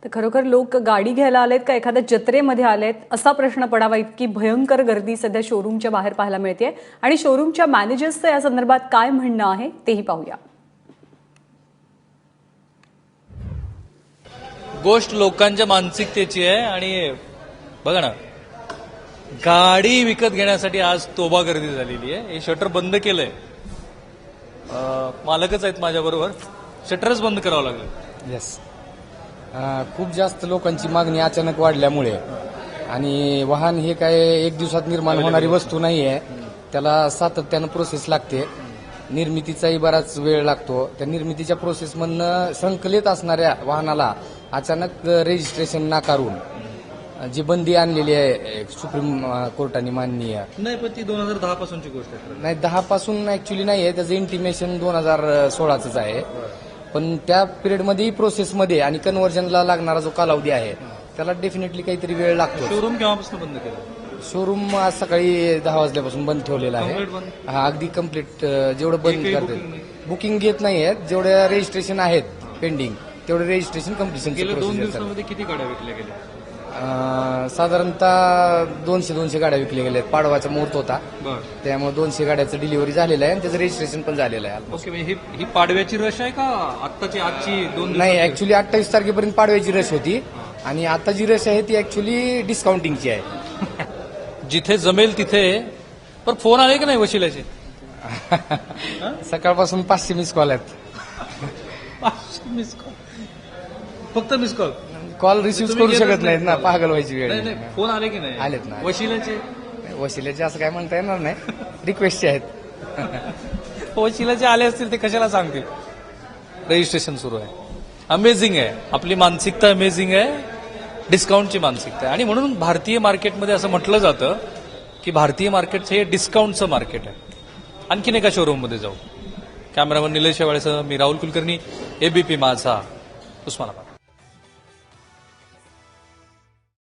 तर खरोखर लोक गाडी घ्यायला आलेत का एखाद्या जत्रेमध्ये आलेत असा प्रश्न पडावा इतकी भयंकर गर्दी सध्या शोरूमच्या बाहेर पाहायला मिळते आणि शोरूमच्या मॅनेजर्सचं या संदर्भात काय म्हणणं आहे तेही पाहूया. गोष्ट लोकांच्या मानसिकतेची आहे आणि बघा ना, गाडी विकत घेण्यासाठी आज तोबा गर्दी झालेली आहे. हे शटर बंद केलंय, मालकच आहेत माझ्याबरोबर, शटरच बंद करावं लागलं. येस, खूप जास्त लोकांची मागणी अचानक वाढल्यामुळे आणि वाहन हे काय एक दिवसात निर्माण होणारी वस्तू नाही आहे, त्याला सातत्यानं प्रोसेस लागते. निर्मितीचाही बराच वेळ लागतो. त्या निर्मितीच्या प्रोसेसमधनं संकलित असणाऱ्या वाहनाला अचानक रजिस्ट्रेशन नाकारून जी बंदी आणलेली आहे सुप्रीम कोर्टाने माननीय, नाही पण ती 2010 पासूनची गोष्ट आहे. नाही 10 पासून ऍक्च्युली नाही आहे, त्याचं इंटिमेशन 2016च आहे. पण त्या पिरियडमध्ये प्रोसेसमध्ये आणि कन्व्हर्जनला लागणारा जो कालावधी आहे त्याला डेफिनेटली काहीतरी वेळ लागतो. शोरूम केव्हापासून बंद केलं? शोरूम आज सकाळी 10 वाजल्यापासून बंद ठेवलेला आहे. हा, अगदी कम्प्लीट जेवढं बंद करतात. बुकिंग घेत नाही आहेत, जेवढ्या रजिस्ट्रेशन आहेत पेंडिंग तेवढे रजिस्ट्रेशन कम्प्लिशन. गेल्या 2 दिवसांमध्ये किती गाड्या विकल्या गेल्या? साधारणतः 200 गाड्या विकल्या गेल्या. पाडवाचा मुहूर्त होता, त्यामुळे 200 गाड्याचं डिलिव्हरी झालेलं आहे आणि त्याचं रजिस्ट्रेशन पण झालेलं आहे. ओके, ही पाडव्याची रश आहे का आजची 2 नाही, ऍक्च्युली 28 तारखेपर्यंत पाडव्याची रश होती आणि आता जी रश आहे ती ऍक्च्युली डिस्काउंटिंगची आहे. जिथे जमेल तिथे. पण फोन आले की नाही वशिलाचे? सकाळपासून 500 मिस कॉल आहेत. 500 मिस कॉल? फक्त मिस कॉल? कॉल रिसिव्ह करू शकत नाहीत ना, पागल व्हायची वेळ. नाही, फोन आले की नाही? आलेत ना. वशिलाचे? वशिल्याचे असं काय म्हणता येणार नाही, रिक्वेस्टचे आहेत. वशिलाचे आले असतील ते कशाला सांगतील? रजिस्ट्रेशन सुरू आहे. अमेझिंग आहे, आपली मानसिकता अमेझिंग आहे, डिस्काउंटची मानसिकता आहे. आणि म्हणून भारतीय मार्केटमध्ये असं म्हटलं जातं की भारतीय मार्केटचं हे डिस्काउंटचं मार्केट आहे. आणखीन एका शोरूममध्ये जाऊ. कॅमेरामन निलेश शेवाळेसह मी राहुल कुलकर्णी, एबीपी माझा, उस्मानाबाद.